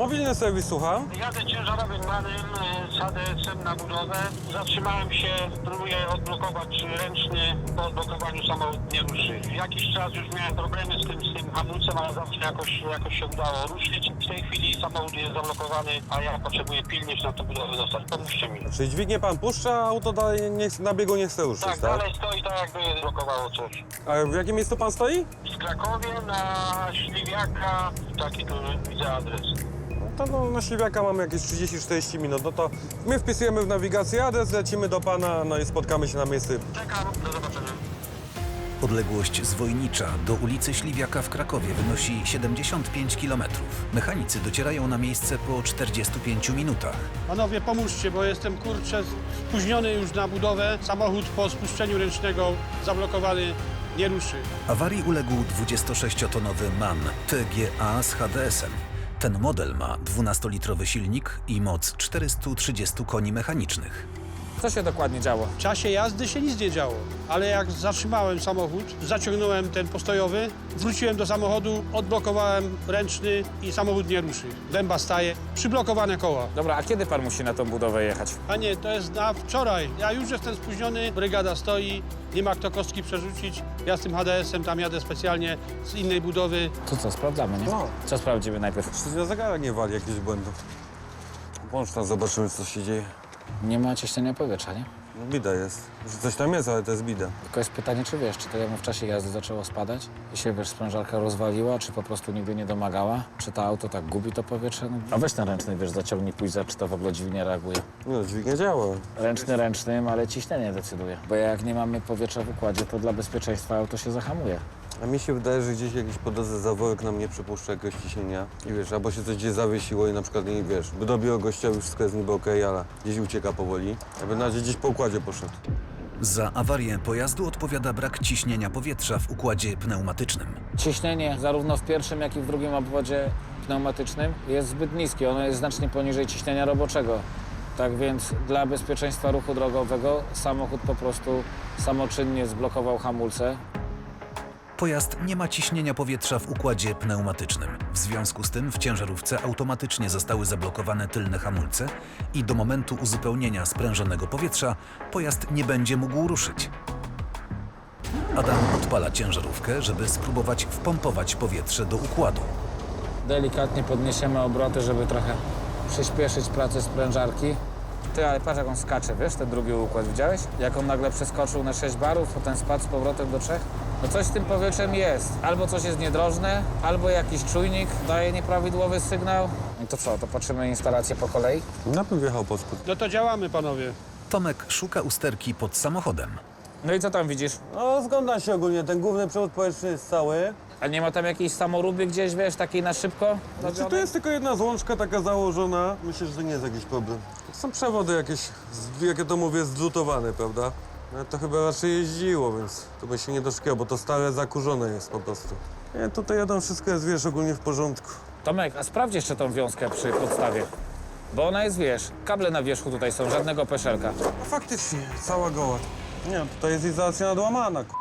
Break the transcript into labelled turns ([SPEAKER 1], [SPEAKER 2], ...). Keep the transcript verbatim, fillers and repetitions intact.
[SPEAKER 1] Mobilny serwis, słucham.
[SPEAKER 2] Jadę ciężarowym manem z H D S-em na budowę. Zatrzymałem się, próbuję odblokować ręczny. Po odblokowaniu samochód nie ruszy. Jakiś czas już miałem problemy z tym, z tym hamulcem, ale zawsze jakoś, jakoś się udało ruszyć. W tej chwili samochód jest zablokowany, a ja potrzebuję pilnie się na tę budowę dostać. Pomóżcie mi.
[SPEAKER 1] Czyli dźwignię pan puszcza, a auto dalej nie, na biegu nie chce ruszyć,
[SPEAKER 2] Tak,
[SPEAKER 1] tak?
[SPEAKER 2] dalej stoi tak, jakby blokowało coś.
[SPEAKER 1] A w jakim miejscu pan stoi?
[SPEAKER 2] W Krakowie na Śliwiaka, taki tu widzę adres.
[SPEAKER 1] To no, na Śliwiaka mamy jakieś trzydzieści czterdzieści minut. No to my wpisujemy w nawigacji adres, lecimy do pana, no i spotkamy się na miejscu.
[SPEAKER 2] Czekam, do zobaczenia.
[SPEAKER 3] Odległość z Wojnicza do ulicy Śliwiaka w Krakowie wynosi siedemdziesiąt pięć kilometrów. Mechanicy docierają na miejsce po czterdziestu pięciu minutach.
[SPEAKER 4] Panowie, pomóżcie, bo jestem, kurczę, spóźniony już na budowę. Samochód po spuszczeniu ręcznego zablokowany, nie ruszy.
[SPEAKER 3] Awarii uległ dwudziestosześciotonowy MAN T G A z H D S-em. Ten model ma dwunastolitrowy silnik i moc czterystu trzydziestu koni mechanicznych.
[SPEAKER 5] Co się dokładnie działo?
[SPEAKER 4] W czasie jazdy się nic nie działo, ale jak zatrzymałem samochód, zaciągnąłem ten postojowy, wróciłem do samochodu, odblokowałem ręczny i samochód nie ruszy. Dęba staje, przyblokowane koła.
[SPEAKER 5] Dobra, a kiedy pan musi na tą budowę jechać?
[SPEAKER 4] A nie, to jest na wczoraj. Ja już jestem spóźniony, brygada stoi, nie ma kto kostki przerzucić. Ja z tym H D S-em tam jadę specjalnie z innej budowy.
[SPEAKER 5] To co, sprawdzamy, nie?
[SPEAKER 1] No.
[SPEAKER 5] Co sprawdzimy najpierw?
[SPEAKER 1] Czy na zegarek nie wali jakichś błędów? Włącz tam, zobaczymy, co się dzieje.
[SPEAKER 5] Nie ma ciśnienia powietrza, nie?
[SPEAKER 1] No, bida jest. Że coś tam jest, ale to jest bida.
[SPEAKER 5] Tylko jest pytanie, czy wiesz, czy to jemu w czasie jazdy zaczęło spadać i się, wiesz, sprężarka rozwaliła, czy po prostu nigdy nie domagała, czy to auto tak gubi to powietrze? No, a weź ten ręczny, wiesz, zaciągnij, pójdź za, czy to w ogóle dźwignia reaguje.
[SPEAKER 1] No, dźwignia działa.
[SPEAKER 5] Ręczny ręcznym, ale ciśnienie decyduje. Bo jak nie mamy powietrza w układzie, to dla bezpieczeństwa auto się zahamuje.
[SPEAKER 1] A mi się wydaje, że gdzieś jakiś po drodze zaworek nam nie przypuszcza jakiegoś ciśnienia. I wiesz, albo się coś gdzieś zawiesiło i na przykład, nie wiesz, by dobiło gościowi, wszystko jest niby okej, ale gdzieś ucieka powoli. Aby na razie gdzieś po układzie poszedł.
[SPEAKER 3] Za awarię pojazdu odpowiada brak ciśnienia powietrza w układzie pneumatycznym.
[SPEAKER 5] Ciśnienie zarówno w pierwszym, jak i w drugim obwodzie pneumatycznym jest zbyt niskie. Ono jest znacznie poniżej ciśnienia roboczego. Tak więc dla bezpieczeństwa ruchu drogowego samochód po prostu samoczynnie zblokował hamulce.
[SPEAKER 3] Pojazd nie ma ciśnienia powietrza w układzie pneumatycznym. W związku z tym w ciężarówce automatycznie zostały zablokowane tylne hamulce i do momentu uzupełnienia sprężonego powietrza pojazd nie będzie mógł ruszyć. Adam odpala ciężarówkę, żeby spróbować wpompować powietrze do układu.
[SPEAKER 5] Delikatnie podniesiemy obroty, żeby trochę przyspieszyć pracę sprężarki. Ty, ale patrz jak on skacze, wiesz, ten drugi układ, widziałeś? Jak on nagle przeskoczył na sześć barów, potem spadł z powrotem do trzech? No coś z tym powietrzem jest. Albo coś jest niedrożne, albo jakiś czujnik daje nieprawidłowy sygnał. I to co, to patrzymy instalację po kolei?
[SPEAKER 1] Ja bym wjechał pod spód.
[SPEAKER 4] No to działamy, panowie.
[SPEAKER 3] Tomek szuka usterki pod samochodem.
[SPEAKER 5] No i co tam widzisz?
[SPEAKER 1] No, zgląda się ogólnie. Ten główny przewód powietrzny jest cały.
[SPEAKER 5] A nie ma tam jakiejś samoróby gdzieś, wiesz, takiej na szybko?
[SPEAKER 1] Znaczy, to jest tylko jedna złączka taka założona. Myślę, że to nie jest jakiś problem. To są przewody jakieś, z- jak ja to mówię, zlutowane, prawda? No, to chyba raczej jeździło, więc to by się nie doszkiało, bo to stare zakurzone jest po prostu. Nie, tutaj jadą, wszystko jest, wiesz, ogólnie w porządku.
[SPEAKER 5] Tomek, a sprawdź jeszcze tą wiązkę przy podstawie. Bo ona jest, wiesz, kable na wierzchu tutaj są, żadnego peszelka.
[SPEAKER 1] No faktycznie, cała goła. Nie, tutaj jest izolacja nadłamana, k***.